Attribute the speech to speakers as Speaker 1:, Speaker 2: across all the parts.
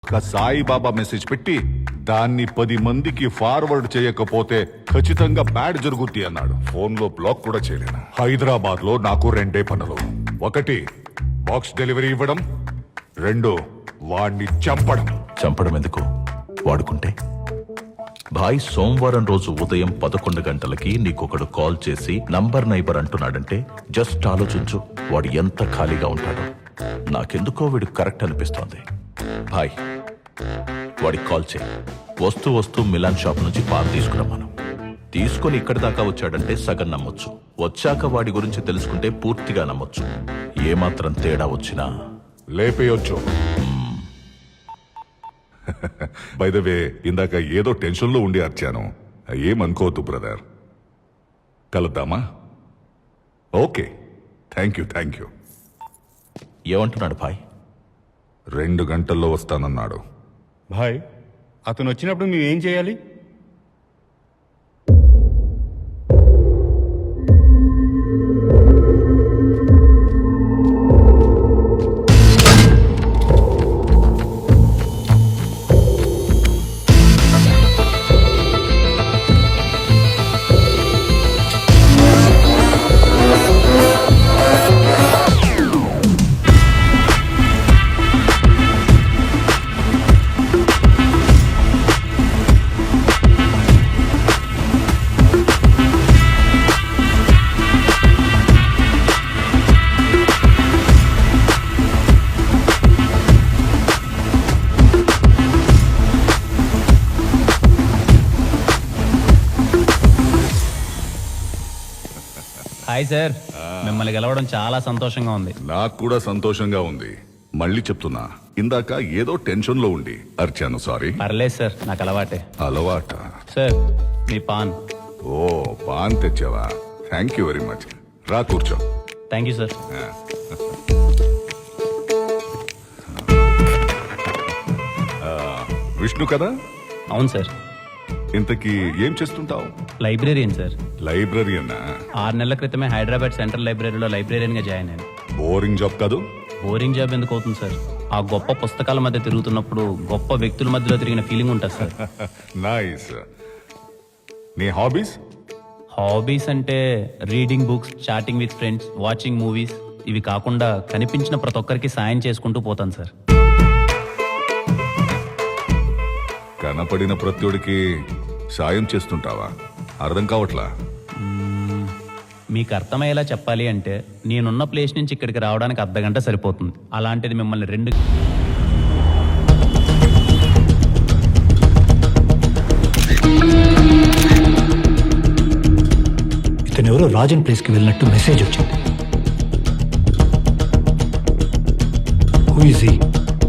Speaker 1: Saibaba message పెట్టి దాన్ని 10 మందికి ఫార్వర్డ్ చేయకపోతే ఖచ్చితంగా బ్యాడ్ జరుగుద్ది అన్నాడు. ఫోన్ లో బ్లాక్ కూడా చేయలేను. హైదరాబాద్ లో నాకు 2 పనులు. 1 బాక్స్ డెలివరీ ఇవ్వడం, 2 వాడిని చంపడం.
Speaker 2: చంపడం ఎందుకు? వాడుకుంటే భాయ్ సోమవారం రోజు ఉదయం 11 గంటలకి నీకొకడు కాల్ చేసి నంబర్ నైబర్ అంటున్నాడంటే జస్ట్ ఆలోచించు, వాడు ఎంత ఖాళీగా ఉంటాడో. నాకెందుకో వీడు కరెక్ట్ అనిపిస్తోంది. భాయ్ వాడికి కాల్ చేయి. వస్తూ మిలాన్ షాప్ నుంచి పాలు తీసుకురమ్మను. తీసుకుని ఇక్కడి దాకా వచ్చాడంటే సగం నమ్మొచ్చు. వచ్చాక వాడి గురించి తెలుసుకుంటే పూర్తిగా నమ్మొచ్చు. ఏమాత్రం తేడా వచ్చినా
Speaker 1: లేపేయొచ్చు. బై ద వే, ఇందాక ఏదో టెన్షన్ లో ఉండి అర్చాను. ఏమనుకోవద్దు బ్రదర్. కలుద్దామా? Okay, thank you.
Speaker 2: ఏమంటున్నాడు భాయ్?
Speaker 1: 2 గంటల్లో వస్తానన్నాడు.
Speaker 3: భాయ్, అతను వచ్చినప్పుడు మేమేం చేయాలి?
Speaker 4: హాయ్ సార్, మిమ్మల్ని గెలవడం చాలా సంతోషంగా ఉంది.
Speaker 1: నాకు కూడా సంతోషంగా ఉంది. మళ్ళీ చెప్తున్నా, ఇందాక ఏదో టెన్షన్ లో ఉండి అర్చాను. సారీ.
Speaker 4: పర్లేదు సార్, నాకు అలవాటే.
Speaker 1: అలవాట?
Speaker 4: సార్ మీ పాన్.
Speaker 1: ఓ, పాన్ తెచ్చావా? Thank you very much. రా కూర్చో.
Speaker 4: Thank you sir.
Speaker 1: విష్ణు కదా?
Speaker 4: అవును సార్.
Speaker 1: ఇంతకీ ఏం చేస్తుంటావు?
Speaker 4: Librarian sir.
Speaker 1: లైబ్రరీయన్నా?
Speaker 4: 6 నెలల క్రితమే హైదరాబాద్ సెంట్రల్ లైబ్రరీలో లైబ్రేరియన్ గా జాయిన్ అయ్యాను.
Speaker 1: బోరింగ్ జాబ్ కాదు?
Speaker 4: బోరింగ్ జాబ్ ఎందుకు అవుతుంది సార్? ఆ గొప్ప పుస్తకాల మధ్య తిరుగుతున్నప్పుడు గొప్ప వ్యక్తుల మధ్యలో తిరిగిన ఫీలింగ్ ఉంటుంది సార్.
Speaker 1: నైస్. నీ హాబీస్?
Speaker 4: హాబీస్ అంటే reading books, chatting with friends, watching movies. ఇవి కాకుండా కనిపించిన ప్రతి ఒక్కరికి సాయం చేసుకుంటూ పోతాను సార్.
Speaker 1: కనపడిన ప్రత్యుడికి సాయం చేస్తుంటావా? అర్థం కావట్లా.
Speaker 4: మీకు అర్థమయ్యేలా చెప్పాలి అంటే నేనున్న ప్లేస్ నుంచి ఇక్కడికి రావడానికి అర్ధగంట సరిపోతుంది. అలాంటిది మిమ్మల్ని 2
Speaker 5: ఇతనెవరో రాజన్ ప్లేస్కి వెళ్ళినట్టు మెసేజ్ వచ్చింది. Who is he?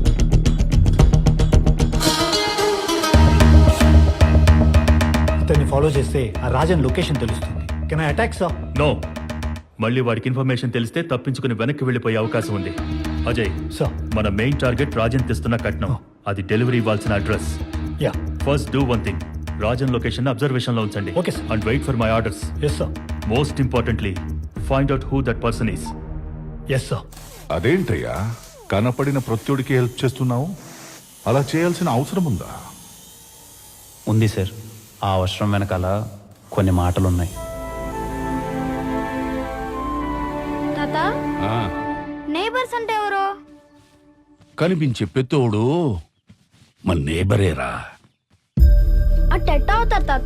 Speaker 5: ఇతన్ని ఫాలో చేస్తే ఆ రాజన్ లొకేషన్ తెలుస్తుంది. Can I attack sir?
Speaker 6: No. మళ్ళీ వాడికి ఇన్ఫర్మేషన్ తెలిస్తే తప్పించుకుని వెనక్కి వెళ్ళిపోయే అవకాశం ఉంది. అజయ్
Speaker 5: సార్.
Speaker 6: మన మెయిన్ టార్గెట్ రాజన్ తెస్తున్న కట్నం. అది డెలివరీ ఇవ్వాల్సిన address.
Speaker 5: Yeah.
Speaker 6: First do one thing. Rajan location observation లో ఉంచండి.
Speaker 5: Okay, sir.
Speaker 6: And wait for my orders.
Speaker 5: Yes sir.
Speaker 6: Most importantly find out who that person is.
Speaker 5: Yes sir.
Speaker 1: అదేంటయ్యా, కనపడిన ప్రత్యుడికి help చేస్తున్నావు? అలా చేయాల్సిన అవసరం ఉందా?
Speaker 4: ఉంది సార్. ఆ అవసరం వెనకాల కొన్ని మాటలున్నాయి.
Speaker 7: తాత, నేబర్స్ అంటే ఎవరు?
Speaker 8: కనిపించే పెత్తోడు మన నేబరేరా.
Speaker 7: అట్టెట్ట అవుతారు తాత?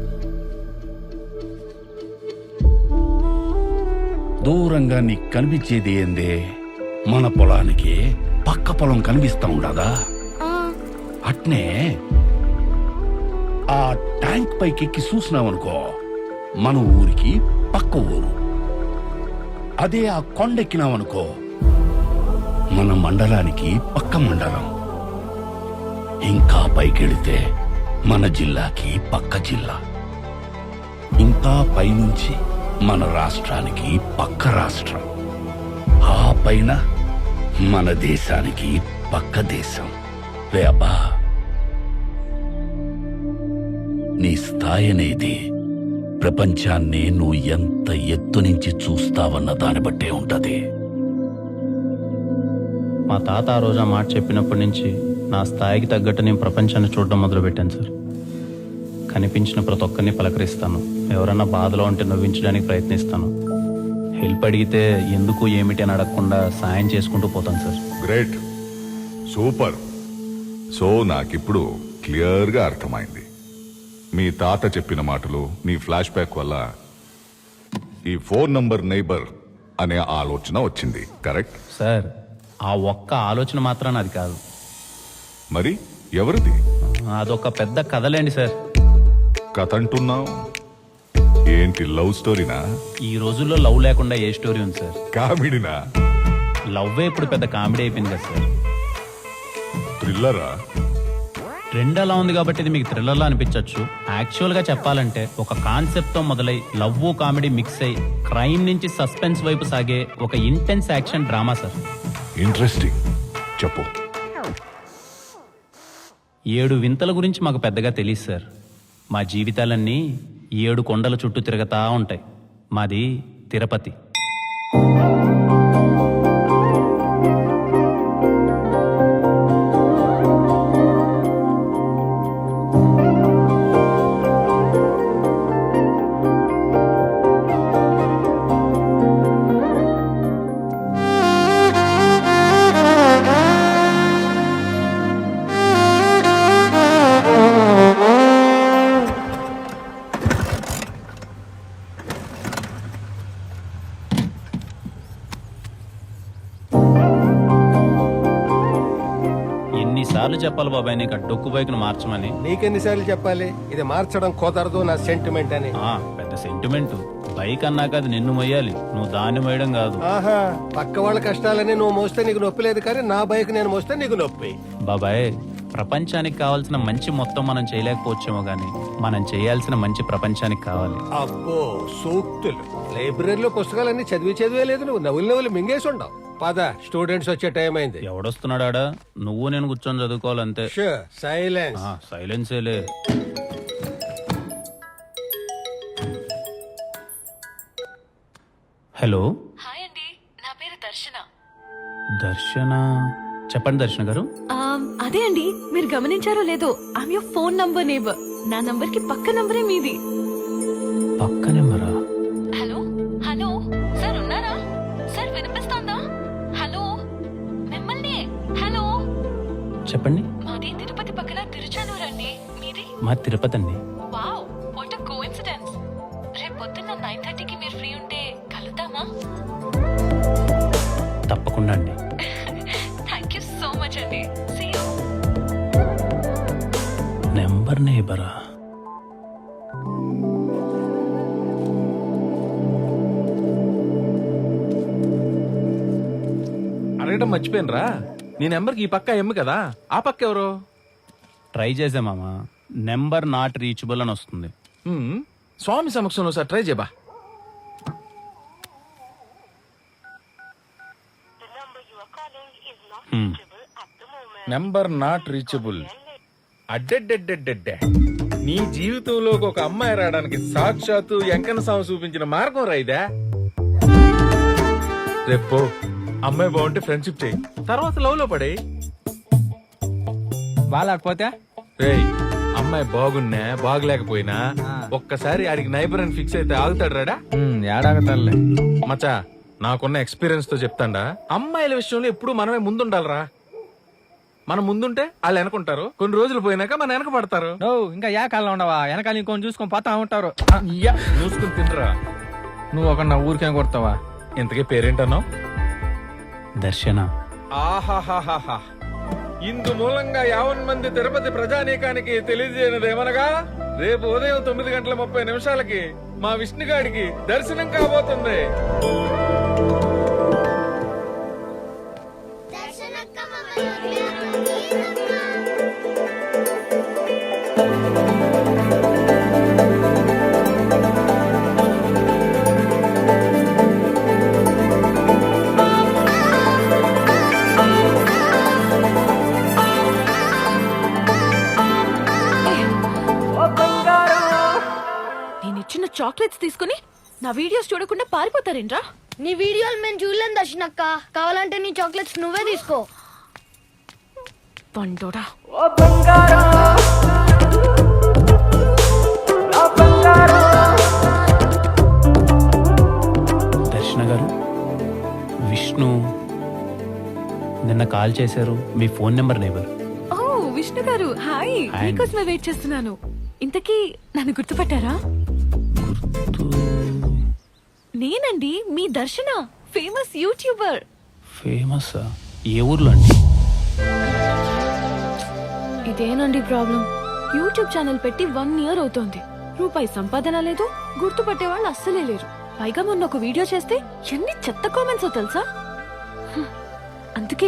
Speaker 8: దూరంగా నీకు కనిపించేది ఏందే? మన పొలానికి పక్క పొలం కనిపిస్తా ఉండదా? అట్నే ఆ ట్యాంక్ పైకి ఎక్కి చూసినావనుకో, మన ఊరికి పక్క ఊరు. అదే ఆ కొండెక్కినావనుకో, మన మండలానికి పక్క మండలం. ఇంకా పైకెళితే మన జిల్లాకి పక్క జిల్లా. ఇంకా పైనుంచి మన రాష్ట్రానికి పక్క రాష్ట్రం. ఆ పైన మన దేశానికి పక్క దేశం. వేబా, నీ స్థాయి అనేది ప్రపంచాన్ని నువ్వు ఎంత ఎత్తు నుంచి చూస్తావన్న దాన్ని బట్టే ఉంటది.
Speaker 4: మా తాత ఆ రోజు ఆ మాట చెప్పినప్పటి నుంచి నా స్థాయికి తగ్గట్టు నేను ప్రపంచాన్ని చూడడం మొదలుపెట్టాను సార్. కనిపించిన ప్రతి ఒక్కరిని పలకరిస్తాను. ఎవరన్నా బాధలో ఉంటే నవ్వించడానికి ప్రయత్నిస్తాను. హెల్ప్ అడిగితే ఎందుకు ఏమిటి అని అడగకుండా సాయం చేసుకుంటూ పోతాను సార్.
Speaker 1: Great, super. సో నాకిప్పుడు క్లియర్గా అర్థమైంది. మీ తాత చెప్పిన మాటలు, నీ ఫ్లాష్ బ్యాక్ వల్ల ఈ ఫోన్ నంబర్ నైబర్ అనే ఆలోచన వచ్చింది. కరెక్ట్
Speaker 4: సార్, ఆ ఒక్క ఆలోచన మాత్రాన అది కాదు.
Speaker 1: మరి ఎవరిది
Speaker 4: అదొక పెద్ద కథలేండి సార్.
Speaker 1: కథ అంటున్నావు? ఏంటి, లవ్ స్టోరీనా?
Speaker 4: ఈ రోజుల్లో లవ్ లేకుండా ఏ స్టోరీ ఉంది సార్?
Speaker 1: కామెడీనా?
Speaker 4: లవ్వే ఇప్పుడు పెద్ద కామెడీ అయిపోయింది కదా సార్.
Speaker 1: థ్రిల్లరా?
Speaker 4: ట్రెండ్ అలా ఉంది కాబట్టి ఇది మీకు థ్రిల్లర్లా అనిపించవచ్చు. యాక్చువల్గా చెప్పాలంటే ఒక కాన్సెప్ట్తో మొదలై లవ్ కామెడీ మిక్స్ అయి క్రైమ్ నుంచి సస్పెన్స్ వైపు సాగే ఒక intense action drama sir.
Speaker 1: Interesting, చెప్పు.
Speaker 4: 7 వింతల గురించి మాకు పెద్దగా తెలియదు సార్. మా జీవితాలన్నీ 7 కొండల చుట్టూ తిరగతా ఉంటాయి. మాది తిరుపతి. ఎన్నిసార్లు చెప్పాలి బాబాయ్ నీకు ఆ డొక్కు బైక్ను మార్చమని?
Speaker 9: నీకెన్నిసార్లు చెప్పాలి ఇది మార్చడం కుదరదు నా సెంటిమెంట్ అని?
Speaker 4: పెద్ద సెంటిమెంట్. బైక్ అన్నాక అది నిన్ను మొయ్యాలి, నువ్వు దాన్ని మొయ్యడం కాదు.
Speaker 9: ఆహా, పక్క వాళ్ళ కష్టాలని నువ్వు మోస్తే నీకు నొప్పి లేదు, కానీ నా బైక్ నేను మోస్తే నీకు నొప్పి.
Speaker 4: బాబాయ్, ప్రపంచానికి కావాల్సిన మంచి మొత్తం మనం చేయలేకపోవచ్చేమో గానీ మనం చేయాల్సిన మంచి ప్రపంచానికి కావాలి.
Speaker 9: అబ్బో సూక్తులు! లైబ్రరీలో పుస్తకాలన్నీ చదివే లేదు, నువ్వు నవ్వులు మింగేసి ఉండవు. పద, స్టూడెంట్స్ వచ్చే టైం అయింది.
Speaker 4: ఎవడొస్తున్నాడా? నువ్వు నేను కూర్చొని చదువుకోవాలంతే.
Speaker 9: సైలెన్స్.
Speaker 4: సైలెన్సేలే. హలో.
Speaker 10: హాయ్ అండి, నా పేరు దర్శన.
Speaker 4: దర్శన? చెప్పండి దర్శన గారు.
Speaker 10: అదే అండి, మీరు గమనించారో లేదో, I'm your phone number neighbour. నా నంబర్ కి పక్క నంబరే మీది.
Speaker 4: పక్క నెంబరా?
Speaker 10: హలో హలో సార్, ఉన్నారా సార్? వినిపిస్తోందా? హలో, మిమ్మల్ని. హలో,
Speaker 4: చెప్పండి.
Speaker 10: మాది తిరుపతి పక్కన తిరుచానూరు అండి. మీది?
Speaker 4: మా తిరుపతి అండి.
Speaker 10: Wow, what a coincidence. రేపు పొద్దున్న 9:30కి మీరు ఫ్రీ ఉంటే కలుద్దామా?
Speaker 4: తప్పకుండా అండి.
Speaker 10: థ్యాంక్ యూ సో మచ్ అండి. See you.
Speaker 4: నెంబర్ నేబరా?
Speaker 11: అడగడం మర్చిపోయినరా, నీ నెంబర్కి ఈ పక్క ఎమ్ము కదా, ఆ పక్క ఎవరు?
Speaker 4: ట్రై చేసే మామ, నెంబర్ నాట్ రీచబుల్ అని వస్తుంది.
Speaker 11: స్వామి సమక్షంలో సార్ ట్రై చేయబా. Number not reachable. అడ్డెడ్డెడ్డెడ్డెడ్డే, నీ జీవితంలోకి ఒక అమ్మాయి రావడానికి సాక్షాత్తు వెంకన్న స్వామి చూపించిన మార్గం రైదా. రేపు అమ్మాయి బాగుంటే ఫ్రెండ్షిప్ చేయి, తర్వాత లవ్ లో పడే.
Speaker 5: బాగాలేకపోతే
Speaker 11: రేయ్, అమ్మాయి బాగున్నా బాగలేకపోయినా ఒక్కసారి ఆడికి నైబర్ అని ఫిక్స్ అయితే ఆగుతాడు రాడా?
Speaker 5: ఏడాగతారులే
Speaker 11: మచా, నాకున్న ఎక్స్పీరియన్స్ తో చెప్తాండా, అమ్మాయిల విషయంలో ఎప్పుడు మనమే ముందుండాలరా. మనం ముందుంటే వాళ్ళు వెనకుంటారు, కొన్ని రోజులు పోయినాక మన వెనక పడతారు.
Speaker 5: ఇంకా ఏ కాలంలో ఉండవా, వెనకాల ఇంకొని చూసుకొని పోతా ఉంటారు.
Speaker 11: చూసుకుని తినరా.
Speaker 5: నువ్వు ఒక ఊరికేం కొడతావా?
Speaker 11: ఇంతకీ పేరేంటన్నావు?
Speaker 4: దర్శన.
Speaker 11: ఆహాహాహా, ఇందు మూలంగా 50 మంది తిరుపతి ప్రజానీకానికి తెలియజేయనిదేమనగా, రేపు ఉదయం 9:30 మా విష్ణుగాడికి దర్శనం కాబోతుంది.
Speaker 10: నేనిచ్చిన చాక్లెట్స్ తీసుకుని నా వీడియోస్ చూడకుండా పారిపోతారేంట్రా?
Speaker 7: నీ వీడియోలు మేము చూడలేం దర్శనక్క. కావాలంటే నీ చాక్లెట్స్ నువ్వే తీసుకో.
Speaker 10: పండోడా.
Speaker 4: దర్శన గారు, విష్ణు నిన్న కాల్ చేశారు. మీ ఫోన్ నెంబర్ నేబర్.
Speaker 10: ఓ విష్ణు గారు, హాయ్.
Speaker 4: హాయ్.
Speaker 10: మీకోసమే వెయిట్ చేస్తున్నాను. ఇంతకీ నన్ను గుర్తుపట్టారా? నేనండి మీ దర్శన, ఫేమస్ యూట్యూబర్.
Speaker 4: ఫేమస్ ఏ ఊర్లో అండి?
Speaker 10: ఇదేనండి ప్రాబ్లం. యూట్యూబ్ ఛానల్ పెట్టి 1 ఇయర్ అవుతోంది. రూపాయి సంపాదన లేదు, గుర్తుపట్టే వాళ్ళు అస్సలే లేరు. పైగా మొన్న ఒక వీడియో చేస్తే ఎన్ని చెత్త కామెంట్స్ తెలుసా? అందుకే